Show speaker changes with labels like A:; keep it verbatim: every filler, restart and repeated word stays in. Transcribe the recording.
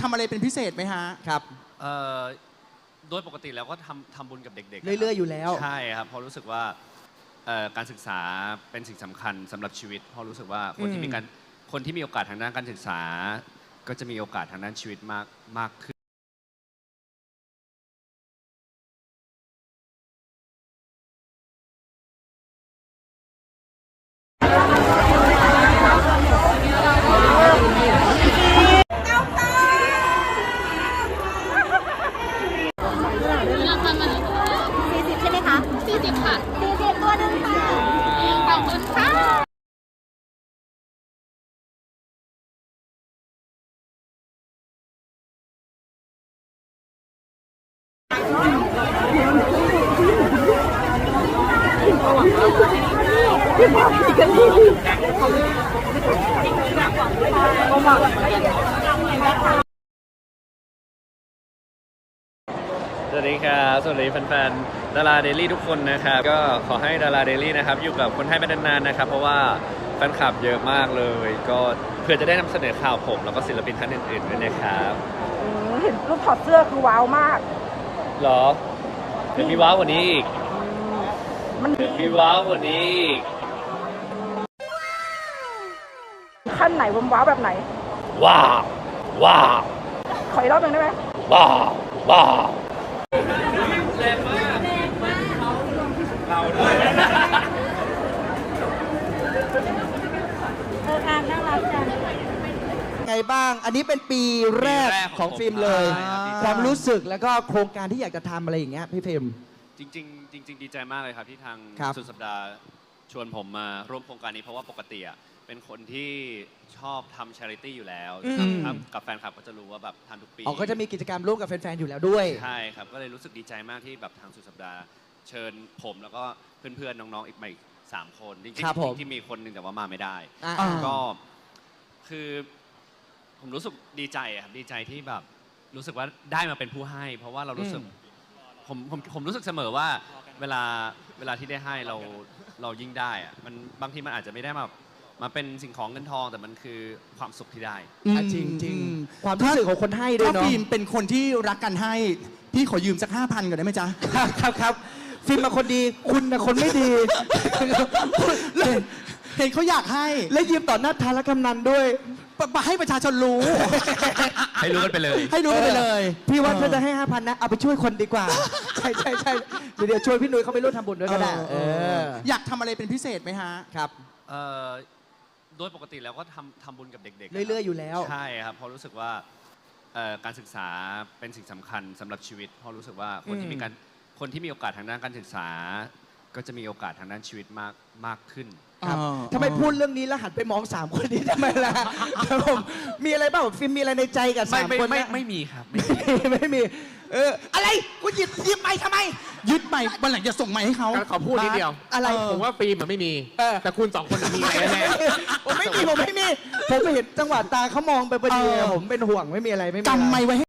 A: ทำอะไรเป็นพิเศษไหมฮะ
B: ครับ
C: เอ่อโดยปกติแล้วก็ทำทำบุญกับเด็กๆ
B: เรื่อยๆอยู่แล้ว
C: ใช่ครับเพราะรู้สึกว่าการศึกษาเป็นสิ่งสำคัญสำหรับชีวิตเพราะรู้สึกว่าคนที่มีการคนที่มีโอกาสทางด้านการศึกษาก็จะมีโอกาสทางด้านชีวิตมากมากขึ้น
D: สวัสดีครับสวัสดีแฟนๆดาราเดลี่ทุกคนนะครับก็ขอให้ดาราเดลี่นะครับอยู่กับคนไทยไปนานๆนะครับเพราะว่าแฟนคลับเยอะมากเลยก็เพื่อจะได้นำเสนอข่าวผมแล้วก็ศิลปินท่านอื่นๆด้วยนะครับ
E: เห็นรูปถอดเสื้อคือว้าวมาก
D: หรอเดี๋ยวมีว้าวกว่านี้อีก
E: มัน
D: มีว้าวกว่านี้อีก
E: ขั้นไหนวว้าวแบบไหน
D: ว้าวว้าว
E: ขออีกรอบหนึ่งได้ไหม
D: ว้าวว้าวแรงมากเราด้วย
E: เอออ่านน่ารักจัง
B: ไงบ้างอันนี้เป็นปีแรกของฟิล์มเลยความรู้สึกแล้วก็โครงการที่อยากจะทำอะไรอย่างเงี้ยพี่ฟิล์ม
C: จริงๆจริงๆดีใจมากเลยครับที่ทางสุดสัปดาห์ชวนผมมาร่วมโครงการนี้เพราะว่าปกติอ่ะเป็นคนที่ชอบทำ charity อยู่แล้วกับแฟนคลับก็จะรู้ว่าแบบทำทุกปี
B: อ๋อก็จะมีกิจกรรมร่วมกับแฟนๆอยู่แล้วด้วย
C: ใช่ครับก็เลยรู้สึกดีใจมากที่แบบทางสุดสัปดาห์เชิญผมแล้วก็เพื่อนๆน้องๆอีกใหม่สามคนจริงๆที่มีคนหนึ่งแต่ว่ามาไม่ได้ก็คือผมรู้สึกดีใจครับดีใจที่แบบรู้สึกว่าได้มาเป็นผู้ให้ เพราะว่าเรารู้สึกผมผมผมรู้สึกเสมอว่าเวลาเวลาที่ได้ให้เราเรายิ่งได้อะมันบางทีมันอาจจะไม่ได้มามาเป็นสิ่งของเงินทองแต่มันคือความสุขที่ได้
B: จริงจริงความรู้สึกของคนให้ด้วยเนาะ
A: ถ้าฟิล์มเป็นคนที่รักกันให้พี่ขอยืมสักห้าพันก่อนได้ไหมจ๊ะ
B: ครับครับฟิล์มมาคนดีคุณนะคนไม่ดี
A: เห็นเขาอยากให้
B: และยืมต่อหน้าทารกำนันด้วย
A: มาให้ประชาชนรู้
C: ให้รู้กันไปเลย
A: ให้รู้กันไปเลย
B: พี่ว่าถ้าจะให้ห้าพันนะเอาไปช่วยคนดีกว่าใช่ใช่ใช่เดี๋ยวช่วยพี่นุ้ยเขาไปร่วมทำบุญด้วยก็ได้
A: อยากทำอะไรเป็นพิเศษไหมฮะ
B: ครับ
C: โดยปกติแล้วก็ทำทำบุญกับเด็กๆ
B: เรื่อยๆอยู่แล้ว
C: ใช่ครับเพราะรู้สึกว่าการศึกษาเป็นสิ่งสำคัญสำหรับชีวิตเพราะรู้สึกว่าคนที่มีการคนที่มีโอกาสทางด้านการศึกษาก็จะมีโอกาสทางด้านชีวิตมากมากขึ้น
B: ทำไมพูดเรื่องนี้แล้วหันไปมองสามคนนี้ทำไมล่ะผมมีอะไรบ้างฟิล์มมีอะไรในใจกับสามคน
C: ไม่ไม่มีครับไม่มี
B: ไม่มีเอออะไรกูหยิบหยิบไม้ทำไม
A: ยึดไม้วันหลังจะส่งไม้ให้เขา
F: ขอพูดนิดเดียว
B: อะไร
F: ผมว่าฟิล์มมันไม่มีแต่คุณสองคนมีอะไรแน่
B: ผมไม่มีผมไม่มีผมไปเห็นจังหวะตาเขามองไปพอดีผมเป็นห่วงไม่มีอะไรไม่มี
A: กำไม้ไว้